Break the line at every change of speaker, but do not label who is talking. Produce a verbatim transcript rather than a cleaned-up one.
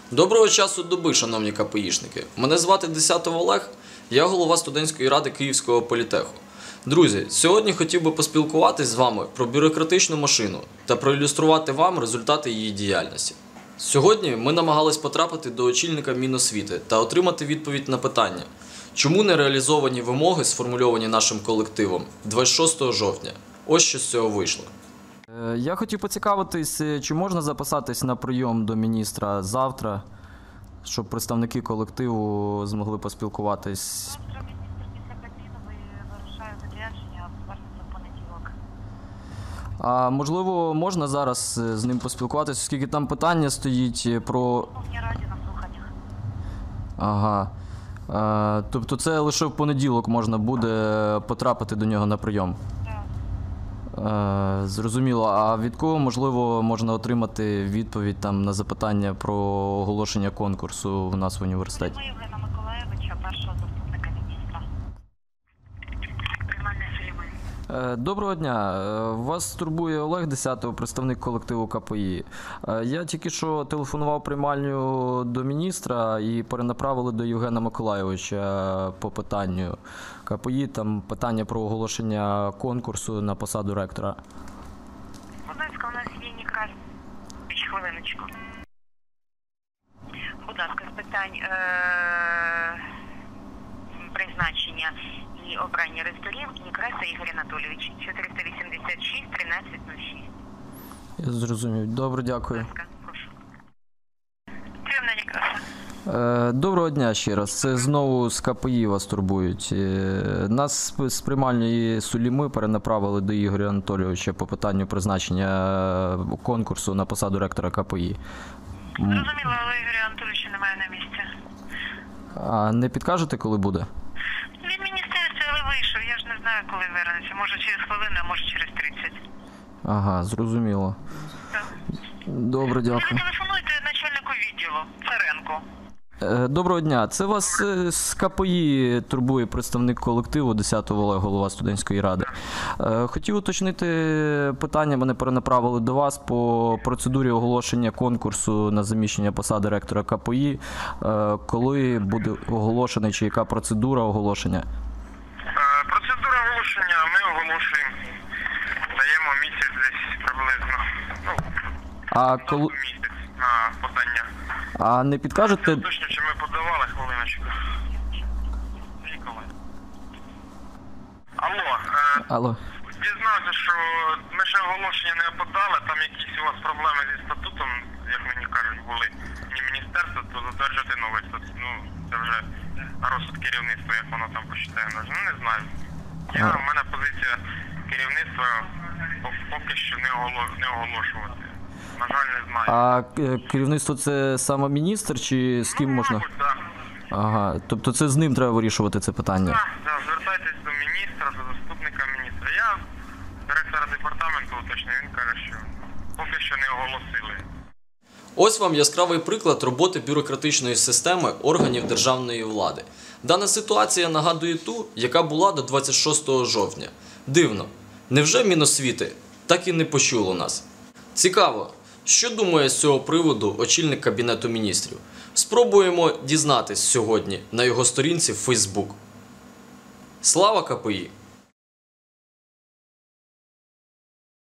Доброго часу доби, шановні КПІшники. Мене звати Десятов Олег, я голова студентської ради Київського політеху. Друзі, сьогодні хотів би поспілкуватись з вами про бюрократичну машину та проілюструвати вам результати її діяльності. Сьогодні ми намагались потрапити до очільника Міносвіти та отримати відповідь на питання, чому не реалізовані вимоги, сформульовані нашим колективом двадцять шостого жовтня. Ось що з цього вийшло.
Я хотів поцікавитись, чи можна записатись на прийом до міністра завтра, щоб представники колективу змогли поспілкуватись.
Завтра міністр після Кабміну вирушає в відрядження, повернеться в понеділок.
А можливо, можна зараз з ним поспілкуватись, оскільки там питання стоїть про...
В Верховній Раді на слуханнях.
Ага. А, тобто це лише в понеділок можна буде потрапити до нього на прийом?
Так.
А, зрозуміло. А від кого, можливо, можна отримати відповідь там на запитання про оголошення конкурсу в нас в університеті?
Ми Євгена Миколаєвича, першого заступника міністра. Приймальний Сулейман.
Доброго дня. Вас турбує Олег Десятов, представник колективу КПІ. Я тільки що телефонував приймальню до міністра і перенаправили до Євгена Миколаєвича по питанню КПІ. Там питання про оголошення конкурсу на посаду ректора.
Будь ласка, у нас є Нікрас. Хвилиночку. Будь ласка, з питань е- призначення і обрання ректорів Некраса Ігор Анатолійович, чотириста вісімдесят шість тринадцять нуль шість.
Я зрозумів. Добре, дякую.
Будь ласка, прошу. Прийомна Некраса.
Е, Доброго дня ще раз. Це знову з КПІ вас турбують. Е, Нас з приймальної Суліми перенаправили до Ігоря Анатолійовича по питанню призначення конкурсу на посаду ректора КПІ.
Зрозуміло, але Ігоря Анатолійовича немає на місці.
А не підкажете, коли буде?
Він в міністерстві, але вийшов. Я ж не знаю, коли вернеться. Може через хвилину, а може через тридцять.
Ага, зрозуміло.
Так.
Добре,
Ви
дякую.
телефонуйте начальнику відділу Царенку.
Е, Доброго дня. Це вас е, з КПІ турбує представник колективу Десятов Олег, голова студентської ради. Е, Хотів уточнити питання, мене перенаправили до вас по процедурі оголошення конкурсу на заміщення посади ректора КПІ. Е, Коли буде оголошений, чи яка процедура оголошення?
Процедура оголошення ми оголошуємо, даємо місяць десь приблизно, ну,
А коли...
місяць на подання.
А не підкажете...
Точно, чи ми подавали, хвилиночку. Ніколи. Алло, е,
Алло.
дізнався, що ми ще оголошення не подали, там якісь у вас проблеми зі статутом, як мені кажуть, були. Ні міністерство, то затверджувати новий статут. Ну, це вже на розсуд керівництва, як воно там посчитає. Ну, не знаю. Я, в мене позиція керівництва поки що не, оголо, не оголошувати. На жаль, не знаю.
А е, керівництво це саме міністр, чи з ким
ну,
можна?
Мабуть, так.
Ага, тобто це з ним треба вирішувати це питання?
Так, так, звертайтесь до міністра, до заступника міністра. Я директора департаменту уточню, він каже, що поки що не оголосили.
Ось вам яскравий приклад роботи бюрократичної системи органів державної влади. Дана ситуація нагадує ту, яка була до двадцять шостого жовтня. Дивно, невже Міносвіти так і не почуло нас? Цікаво, що думає з цього приводу очільник Кабінету міністрів? Спробуємо дізнатись сьогодні на його сторінці в Фейсбук. Слава КПІ!